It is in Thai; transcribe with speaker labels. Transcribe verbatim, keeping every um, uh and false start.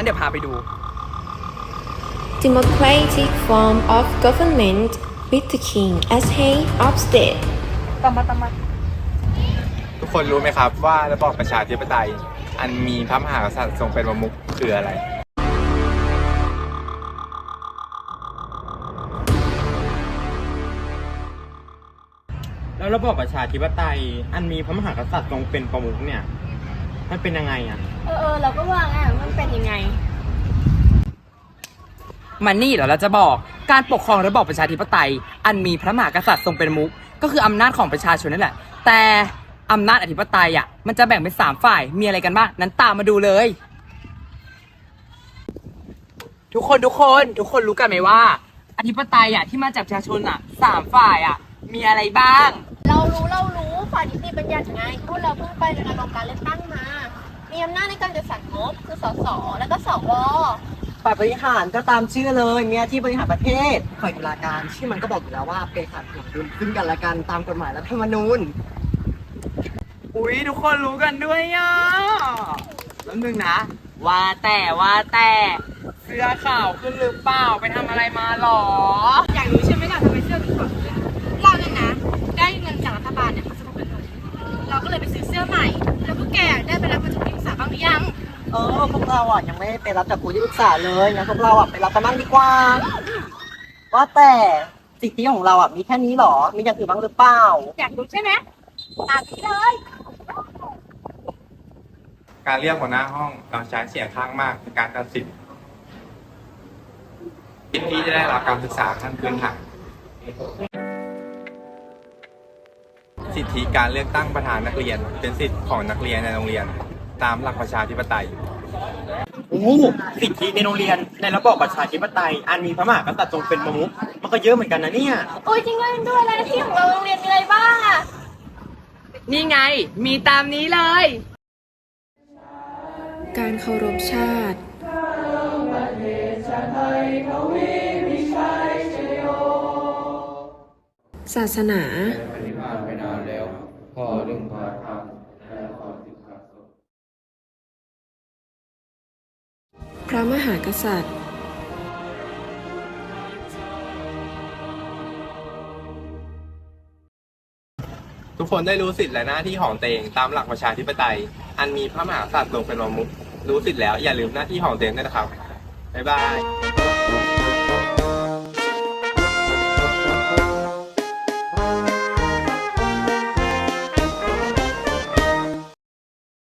Speaker 1: งั้นเดี๋ยวพาไปดู
Speaker 2: Democratic form of government with the king as head of state
Speaker 1: ตามมาตามมาทุกคนรู้ไหมครับว่าระบอบประชาธิปไตยอันมีพระมหากษัตริย์ทรงเป็นประมุขคืออะไรแล้วระบอบประชาธิปไตยอันมีพระมหากษัตริย์ทรงเป็นประมุขเนี่ยมันเป็นยังไงอ่ะ
Speaker 3: เออเออเราก็ว่าไงมันเป็นยังไง
Speaker 4: มันนี่เดี๋ยวเราจะบอกการปกครองระบอบประชาธิปไตยอันมีพระมหากษัตริย์ทรงเป็นประมุขก็คืออำนาจของประชาชนนั่นแหละแต่อำนาจอธิปไตยอ่ะมันจะแบ่งเป็นสามฝ่ายมีอะไรกันบ้างนั้นตามมาดูเลย ทุกคนทุกคนทุกคนรู้กันไหมว่าอธิปไตยอ่ะที่มาจากประชาชนอ่ะสามฝ่ายอ่ะมีอะไรบ้าง
Speaker 3: เรารู้เรารู้ฝ่ายนิติบัญญัติไงพวกเราเพิ่งไปในระบบการเลือกตั้งมามีอำนาจในการจัดสรรงบคือสสแล้วก็สว
Speaker 5: ฝ่ายบริหารก็ตามชื่อเลยมีหน้าที่บริหารประเทศฝ่ายตุลาการชื่อมันก็บอกอยู่แล้วว่าเป็นการสนับสนุนซึ่งกันและกันตามกฎหมายรัฐธรรมนูญ
Speaker 4: อุ้ยทุกคนรู้กันด้วยอ่ะแล้วนึงนะว่าแต่ว่าแต่เสื้อขาวขึ้นหรือเปล่าไปทำอะไรมาหรอ
Speaker 3: อยากรู้ใช่ไหมล่ะทำไมเสื้อถึงขาวขึ้นเราเนี่ยนะได้เงินจากรัฐบาลเนี่ยมาสนับสนุนเราก็เลยไปซื้อเสื้อใหม่แล้วพวกแกได้ไปรับมาจากที่ปรึกษาบ้างหรือยัง
Speaker 5: เออพวกเราอ่ะยังไม่ได้ไปรับจากครูที่ปรึกษาเลยงั้นพวกเราอ่ะไปรับกันบ้างดีกว่าว่าแต่สิทธิของเราอ่ะมีแค่นี้หรอมีอย่างอื่นบ้างหรือเปล่า
Speaker 3: อยากรู้ใช่ไหมตามพี่เลย
Speaker 1: การเลือกหัวหน้าห้องเราใช้เสียงข้างมากในการตัดสินสิทธิที่จะได้รับการศึกษาขั้นพื้นฐานสิทธิการเลือกตั้งประธานนักเรียนเป็นสิทธิของนักเรียนในโรงเรียนตามหลักประชาธิปไตย
Speaker 4: โอ้สิทธิในโรงเรียนในระบอบประชาธิปไตยอันมีพระมหากษัตริย์ทรงเป็นประมุขมันก็เยอะเหมือนกันนะเนี่ย
Speaker 3: โอ้ยจริงด้วยด้วยแล้วที่ของเราโรงเรียนมีอะไรบ้างอ่ะ
Speaker 4: นี่ไงมีตามนี้เลย
Speaker 2: การเคารพชาติศาสนาพระมหากษัตริย์
Speaker 1: ทุกคนได้รู้สิทธิและหน้าที่ของตัวเองตามหลักประชาธิปไตยอันมีพระมหากษัตริย์ทรงเป็นประมุขรู้สิทธิแล้วอย่าลืมหน้าที่ของตัวเองด้วยนะครับบ๊ายบาย